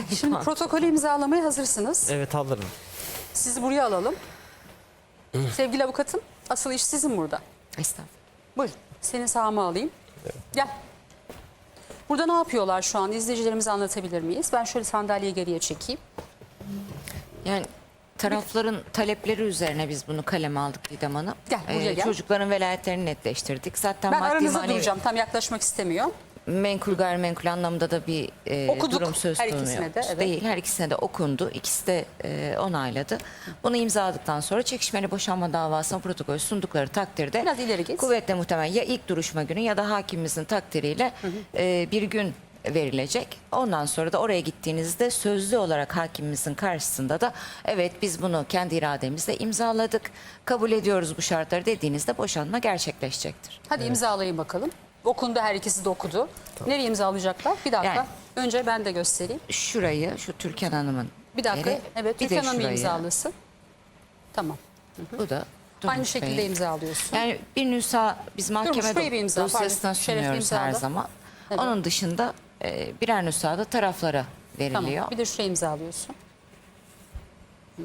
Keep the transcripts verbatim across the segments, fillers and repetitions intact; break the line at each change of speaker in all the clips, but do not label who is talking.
Şimdi protokolü imzalamaya hazırsınız.
Evet, hazırım.
Sizi buraya alalım. Sevgili avukatım, asıl iş sizin burada.
Estağfurullah.
Buyurun, seni sağıma alayım. Gel. Burada ne yapıyorlar şu an? İzleyicilerimize anlatabilir miyiz? Ben şöyle sandalyeyi geriye çekeyim.
Yani tarafların talepleri üzerine biz bunu kaleme aldık Didem Hanım.
Gel, buraya gel.
Çocukların velayetlerini netleştirdik. Zaten
Ben
maddi
aranızda
manevi
duracağım. Tam yaklaşmak istemiyorum.
menkul gayrimenkul anlamda da bir e,
Okuduk
durum söz
her
konusu
ikisine de, evet.
değil. Her ikisine de okundu. İkisi de e, onayladı. Bunu imzaladıktan sonra çekişmeli boşanma davasına protokol sundukları takdirde
Biraz ileri git.
kuvvetle muhtemel ya ilk duruşma günü ya da hakimimizin takdiriyle hı hı. E, bir gün verilecek. Ondan sonra da oraya gittiğinizde sözlü olarak hakimimizin karşısında da evet biz bunu kendi irademizle imzaladık, kabul ediyoruz bu şartları dediğinizde boşanma gerçekleşecektir.
Hadi imzalayın bakalım. Okundu, her ikisi de okudu. Tamam. Nereye imzalayacaklar? Bir dakika. Yani, önce ben de göstereyim.
Şurayı, şu Türkan Hanım'ın
bir dakika.
yeri,
Evet,
bir
Türkan Hanım
şurayı.
imzalasın. Tamam. Hı hı.
Bu da
aynı şekilde
Bey.
imzalıyorsun.
Yani bir nüsa biz mahkeme
Durmuş, imza,
dosyasına sunuyoruz her zaman. Evet. Onun dışında e, birer nüsa da taraflara veriliyor.
Tamam. Bir de şuraya imzalıyorsun. Hı hı.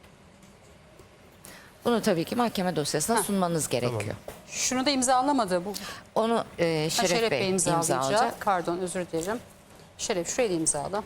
Bunu tabii ki mahkeme dosyasına
ha.
sunmanız gerekiyor.
Tamam.
Şunu da imzalamadı. Bu.
Onu e, Şeref,
ha, Şeref
Bey,
Bey imzalayacak.
imzalayacak.
Pardon, özür dilerim. Şeref şurayı da imzala.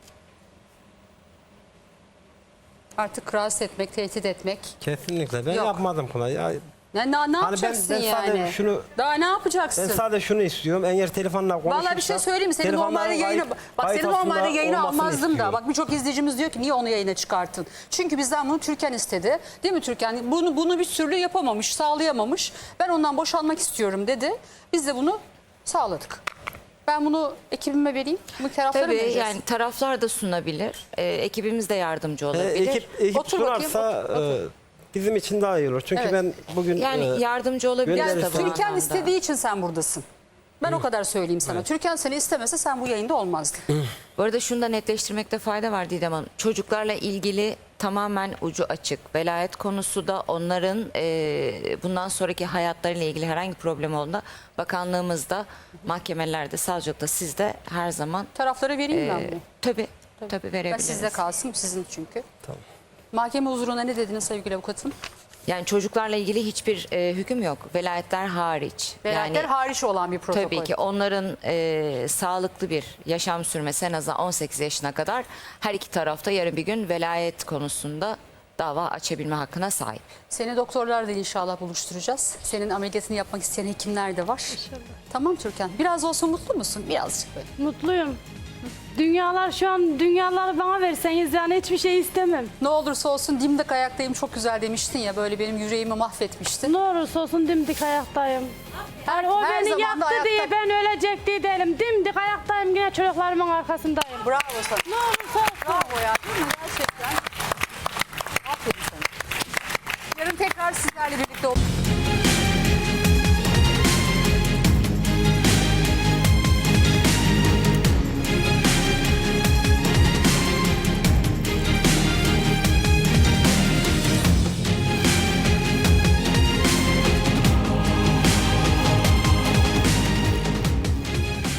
Artık rahatsız etmek, tehdit etmek.
Kesinlikle. Ben
Yok.
yapmadım buna. Ya,
Ya, ne, ne
hani
yapacaksın
ben, ben sadece
yani?
Şunu,
Daha ne yapacaksın?
ben sadece şunu istiyorum. Eğer telefonla konuşursak...
Vallahi bir şey söyleyeyim mi? Seni normalde yayına, bak seni normalde yayına almazdım da. Bak birçok izleyicimiz diyor ki niye onu yayına çıkarttın? Çünkü bizden bunu Türkan istedi. Değil mi Türkan? Bunu bunu bir türlü yapamamış, sağlayamamış. Ben ondan boşanmak istiyorum dedi. Biz de bunu sağladık. Ben bunu ekibime vereyim. Bu taraflara
Tabii
vereceğiz.
yani taraflar da sunabilir. E, ekibimiz de yardımcı olabilir.
E, ekip ekip
Otur bakayım,
sunarsa
otur, otur.
e, bizim için daha iyi olur. Çünkü
Evet.
ben bugün...
Yani
e,
yardımcı olabilir
gönderirse-
Yani
tabii.
Türkan
anlamda.
istediği için sen buradasın. Ben o kadar söyleyeyim sana.
Evet.
Türkan seni istemese sen bu yayında olmazdın.
Bu arada şunu da netleştirmekte fayda var Didem Hanım. Çocuklarla ilgili tamamen ucu açık. Velayet konusu da onların e, bundan sonraki hayatlarıyla ilgili herhangi problem olduğunda bakanlığımızda, mahkemelerde, savcılıkta sizde her zaman
Taraflara vereyim ben
e,
bunu.
tabii, tabii
Ben
verebiliriz.
sizde kalsın, sizin çünkü.
Tamam.
Mahkeme huzuruna ne dediniz sevgili avukatım?
Yani çocuklarla ilgili hiçbir e, hüküm yok. Velayetler hariç.
Velayetler
yani,
hariç olan bir protokol.
tabii ki onların e, sağlıklı bir yaşam sürmesi en azından on sekiz yaşına kadar her iki tarafta yarın bir gün velayet konusunda dava açabilme hakkına sahip.
Seni doktorlarla inşallah buluşturacağız. Senin ameliyatını yapmak isteyen hekimler de var.
İnşallah.
Tamam Türkan. Biraz olsa mutlu musun? Birazcık böyle.
Mutluyum. Dünyalar şu an dünyaları bana verseniz yani hiçbir şey istemem.
Ne olursa olsun dimdik ayaktayım çok güzel demiştin ya. Böyle benim yüreğimi mahvetmiştin.
Ne olursa olsun dimdik ayaktayım.
Her,
Yani o
her
beni
zaman da
yaptı
ayakta-
diye ben ölecek diye değilim. Dimdik ayaktayım yine çocuklarımın arkasındayım.
Bravo sana.
Ne olursa olsun.
Bravo ya. Değil mi? Gerçekten. Aferin sana. Yarın tekrar sizlerle birlikte olacağız.